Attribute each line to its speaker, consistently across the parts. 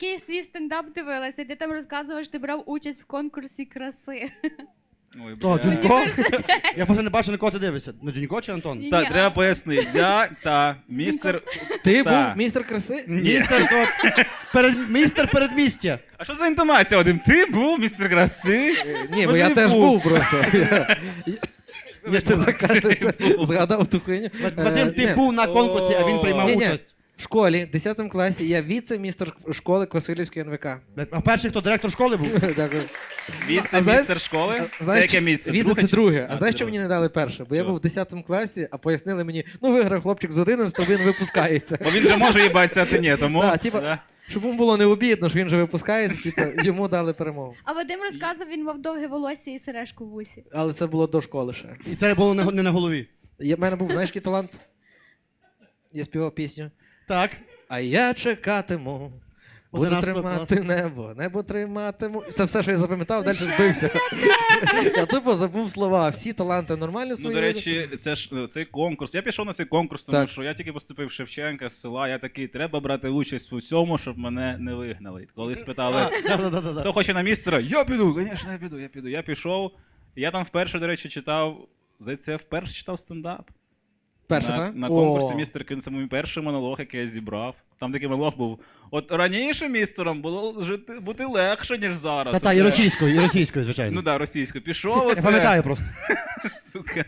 Speaker 1: якийсь твій стендап дивилася, ти там розказував, що ти брав участь в конкурсі краси.
Speaker 2: Ой,
Speaker 3: Хто,
Speaker 2: бля.
Speaker 3: Дзюнько? Я просто не бачу, на кого ти дивишся. На Дзюнько чи Антон?
Speaker 1: Ні.
Speaker 2: Так, треба пояснити. Містер...
Speaker 4: Ти
Speaker 2: Та.
Speaker 4: був містер краси?
Speaker 3: Містер, містер передмістя.
Speaker 2: А що за інтонація, Вадим? Ти був містер краси?
Speaker 4: Ні, бо
Speaker 2: Може,
Speaker 4: я
Speaker 2: і
Speaker 4: теж
Speaker 2: був.
Speaker 4: був просто. Я ще закашлявся, згадав ту хуйню.
Speaker 3: Вадим, ти
Speaker 4: Ні.
Speaker 3: був на конкурсі, а він приймав
Speaker 4: Ні-ні.
Speaker 3: участь.
Speaker 4: В школі, в 10 класі, я віце-містер школи Квасилівської НВК.
Speaker 3: А перший, хто директор школи був?
Speaker 4: Дякую.
Speaker 2: Віце-містер школи? Це яке місце?
Speaker 4: Віце це друге. А
Speaker 2: А,
Speaker 4: знаєш,
Speaker 2: це
Speaker 4: що мені не дали перше? Бо я
Speaker 2: Чого?
Speaker 4: був в 10 класі, а пояснили мені, ну виграв хлопчик з 11, він випускається.
Speaker 2: Бо він же може їбатися, а ти ні, тому...
Speaker 4: Да, типа,
Speaker 2: Да.
Speaker 4: щоб йому було не обідно, що він же випускається, типу, йому дали перемогу.
Speaker 1: А Вадим розказував, він мав довге волосся і сережку в вусі.
Speaker 4: Але це було до школи ще.
Speaker 3: І це було не на голові.
Speaker 4: В мене був, знаєш, який талант? Я співав пісню.
Speaker 3: Так.
Speaker 4: А я чекатиму, буду
Speaker 3: 11
Speaker 4: тримати
Speaker 3: клас.
Speaker 4: небо триматиму. Це все, що я запам'ятав, далі збився. Я тупо забув слова. Всі таланти нормально
Speaker 2: Ну,
Speaker 4: свої.
Speaker 2: до речі, це ж цей конкурс. Я пішов на цей конкурс, тому
Speaker 4: Так.
Speaker 2: що я тільки поступив в Шевченка з села. Я такий, треба брати участь в усьому, щоб мене не вигнали. Коли спитали,
Speaker 3: Да-да-да.
Speaker 2: хто хоче на містера, я піду, звісно, я піду. Я пішов. Я там вперше, до речі, читав, здається, я вперше читав стендап.
Speaker 4: Перше,
Speaker 2: на,
Speaker 4: так?
Speaker 2: на конкурсі «Містер Кін» це мій перший монолог, який я зібрав. Там такий монолог був. От раніше містером було бути легше, ніж зараз.
Speaker 3: Та-та, і російською, звичайно.
Speaker 2: Ну так, російською. Пішов
Speaker 3: Я
Speaker 2: оце.
Speaker 3: пам'ятаю просто.
Speaker 2: Сука,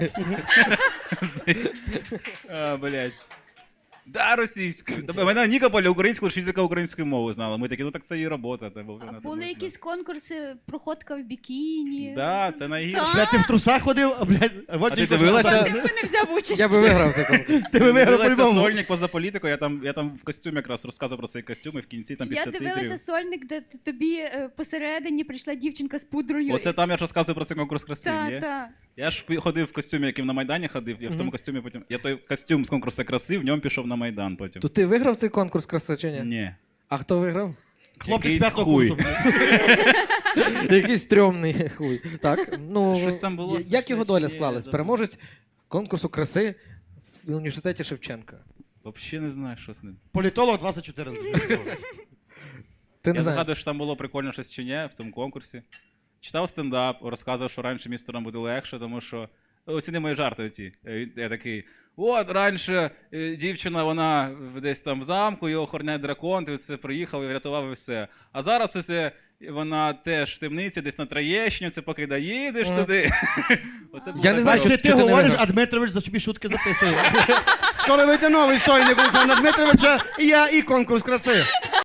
Speaker 2: блядь. Да, російською. Мене Нікополя українською, вчителька української мови знала. Ми такі, ну так це її робота.
Speaker 1: А були якісь конкурси, проходка в бікіні.
Speaker 2: Да, це найгірше.
Speaker 1: Так.
Speaker 3: Блядь, ти в трусах ходив, а, блядь,
Speaker 2: А ти дивилася?
Speaker 1: Ти б не взяв участь.
Speaker 4: Я би виграв цей конкурс.
Speaker 3: Ти виграв
Speaker 2: Дивилася
Speaker 3: по-любому.
Speaker 2: сольник поза політику, я там в костюмі якраз розказував про цей костюм, і в кінці там
Speaker 1: Я
Speaker 2: після
Speaker 1: дивилася
Speaker 2: титрів.
Speaker 1: сольник, де тобі посередині прийшла дівчинка з пудрою.
Speaker 2: Оце там я ж розказую про цей конкурс краси, ні?
Speaker 1: Так.
Speaker 2: Я ж ходив в костюмі, яким на Майдані ходив, я в тому костюмі потім. Я той костюм з конкурсу краси, в ньому пішов на Майдан потім.
Speaker 4: То ти виграв цей конкурс краси чи ні?
Speaker 2: Ні.
Speaker 4: А хто виграв?
Speaker 3: Хлопчик з
Speaker 2: Якийсь
Speaker 3: п'ятого
Speaker 2: хуй.
Speaker 3: курсу.
Speaker 4: Якийсь стрьомний хуй. Так, ну,
Speaker 2: Щось там було
Speaker 4: як його доля
Speaker 2: смішне,
Speaker 4: склалась?
Speaker 2: я
Speaker 4: Переможець конкурсу краси в університеті Шевченка.
Speaker 2: Взагалі не знаю, що з ним.
Speaker 3: Політолог 24.
Speaker 4: Ти
Speaker 2: Я
Speaker 4: не знаєш.
Speaker 2: згадую, що там було прикольно щось чи ні в тому конкурсі. Читав стендап, розказував, що раніше містерам буде легше, тому що. Оціни мої жарти оці. Я такий. От раніше дівчина, вона десь там в замку, його охороняє дракон, ти це приїхав і врятував і все. А зараз оце вона теж в темниці, десь на Троєщині, це поки доїдеш туди. Оце було
Speaker 4: Я не
Speaker 2: так
Speaker 4: знаю,
Speaker 2: добре.
Speaker 3: Ти
Speaker 4: Що ти не
Speaker 3: говориш,
Speaker 4: виграв?
Speaker 3: а Дмитрович за собі шутки записує. Скоро вийде новий сольник Олександра Дмитровича, і я, і конкурс краси.